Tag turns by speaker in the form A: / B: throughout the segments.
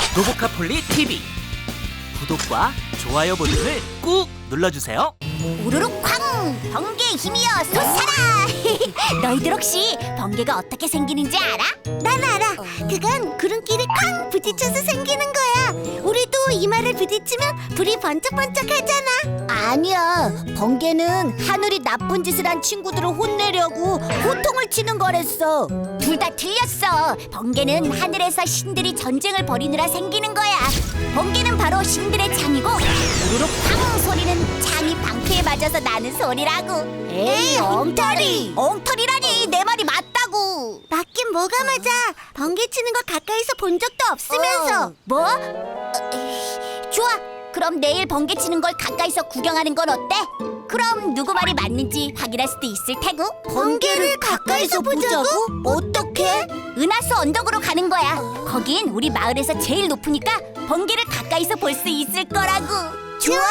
A: 로보카폴리 TV 구독과 좋아요 버튼을 꾹 눌러주세요.
B: 우르륵 쾅! 번개의 힘이여 솟아라! 너희들 혹시 번개가 어떻게 생기는지 알아? 난 알아. 그건 구름끼리 쾅 부딪혀서 생기는 거야. 우리도 이마를 부딪히면 불이 번쩍번쩍하잖아. 아니야. 번개는 하늘이 나쁜 짓을 한 친구들을 혼내려고 호통을 치는 거랬어. 둘 다 틀렸어. 번개는 하늘에서 신들이 전쟁을 벌이느라 생기는 거야. 번개는 바로 신들의 창이고 우르륵 쾅 소리는 창이 방패에 맞아서 나는 소리라고. 에이 엉터리. 엉터리라니 내 말이 맞다고. 맞긴 뭐가 맞아. 번개 치는 거 가까이서 본 적도 없으면서. 뭐? 좋아. 그럼 내일 번개 치는 걸 가까이서 구경하는 건 어때? 그럼 누구 말이 맞는지 확인할 수도 있을 테고. 번개를 가까이서 보자고? 어떻게? 은하수 언덕으로 가는 거야. 거긴 우리 마을에서 제일 높으니까 번개를 가까이서 볼 수 있을 거라고. 좋아.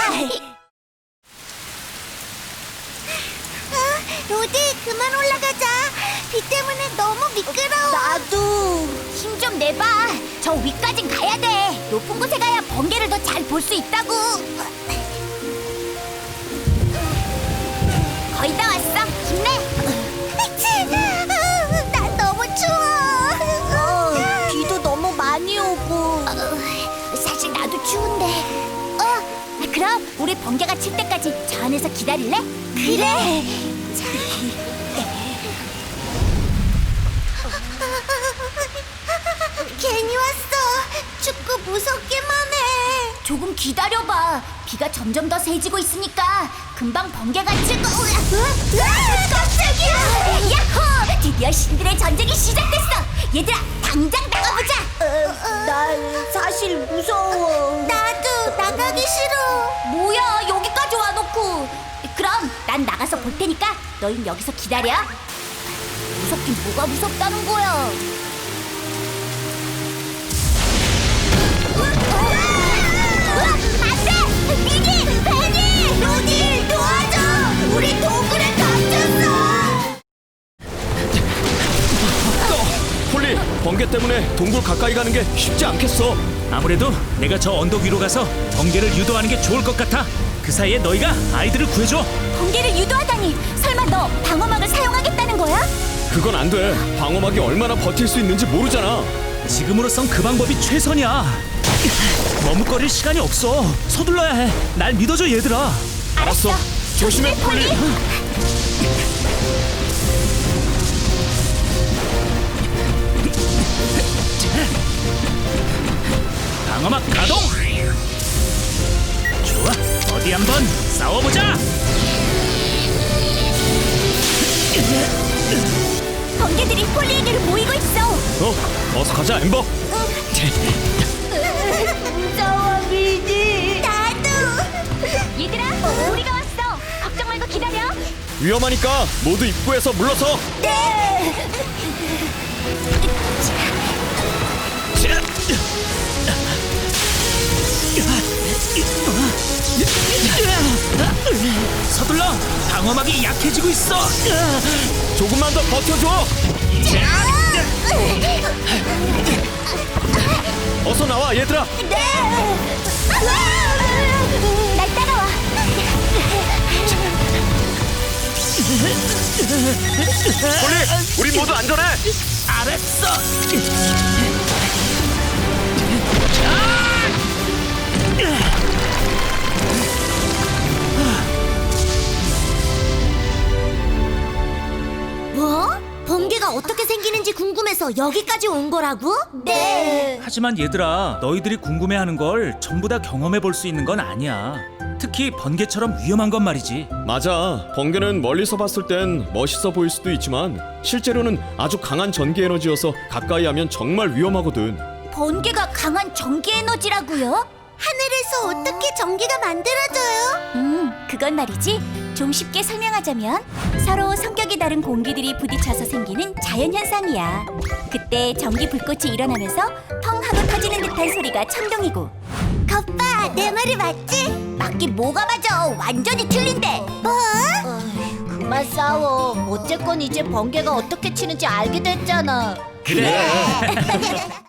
B: 로디 그만 올라가자. 비 때문에 너무 미끄러워. 나도. 힘 좀 내봐. 저 위까진 가야 돼. 높은 곳에 가야 번개를 더 잘 볼 수 있다고. 거의 다 왔어. 힘내. 난 너무 추워. 비도 너무 많이 오고. 사실 나도 추운데. 그럼 우리 번개가 칠 때까지 저 안에서 기다릴래? 그래. 괜히 왔어. 춥고 무섭기만 해. 조금 기다려봐. 비가 점점 더 세지고 있으니까 금방 번개가 칠 거. 깜짝이야. 야호! 드디어 신들의 전쟁이 시작됐어. 얘들아, 당장 나가보자. 난 사실 무서워. 나도 나가기 싫어. 뭐야, 여기까지 와놓고. 그럼 난 나가서 볼 테니까 너흰 여기서 기다려. 무섭긴 뭐가 무섭다는 거야. 안돼! 미니! 베니! 로디! 도와줘! 우리 동굴에 갇혔어!
C: 폴리, 번개 때문에 동굴 가까이 가는 게 쉽지 않겠어.
A: 아무래도 내가 저 언덕 위로 가서 번개를 유도하는 게 좋을 것 같아. 그 사이에 너희가 아이들을 구해줘.
B: 번개를 유도하다니! 설마 너 방어막을 사용하겠다는 거야?
C: 그건 안 돼. 방어막이 얼마나 버틸 수 있는지 모르잖아.
A: 지금으로선 그 방법이 최선이야. 머뭇거릴 시간이 없어. 서둘러야 해. 날 믿어줘 얘들아.
C: 알았어. 조심해, 폴리.
A: 방어막 가동. 좋아. 어디 한번 싸워보자.
B: 번개들이 폴리에게로 모이고 있어.
C: 어서 가자, 엠버.
B: 무서워, 미니. 나도. 얘들아, 우리가 왔어. 걱정 말고 기다려.
C: 위험하니까 모두 입구에서 물러서.
B: 네.
A: 서둘러. 방어막이 약해지고 있어.
C: 조금만 더 버텨줘. 어서 나와, 얘들아.
B: 네. 날 따라와.
C: 폴리, 우리 모두 안전해.
A: 알았어.
B: 뭐? 번개가 어떻게 생기는지 궁금해서 여기까지 온 거라고? 네.
A: 하지만 얘들아, 너희들이 궁금해하는 걸 전부 다 경험해 볼 수 있는 건 아니야. 특히 번개처럼 위험한 건 말이지.
C: 맞아. 번개는 멀리서 봤을 땐 멋있어 보일 수도 있지만 실제로는 아주 강한 전기 에너지여서 가까이 하면 정말 위험하거든.
B: 번개가 강한 전기 에너지라고요? 하늘에서 어떻게 전기가 만들어져요? 그건 말이지. 좀 쉽게 설명하자면 서로 성격이 다른 공기들이 부딪혀서 생기는 자연현상이야. 그때 전기 불꽃이 일어나면서 펑 하고 터지는 듯한 소리가 천둥이고. 겉봐, 내 말이 맞지? 맞긴 뭐가 맞아. 완전히 틀린데. 뭐? 그만 싸워. 어쨌건 이제 번개가 어떻게 치는지 알게 됐잖아.
A: 그래.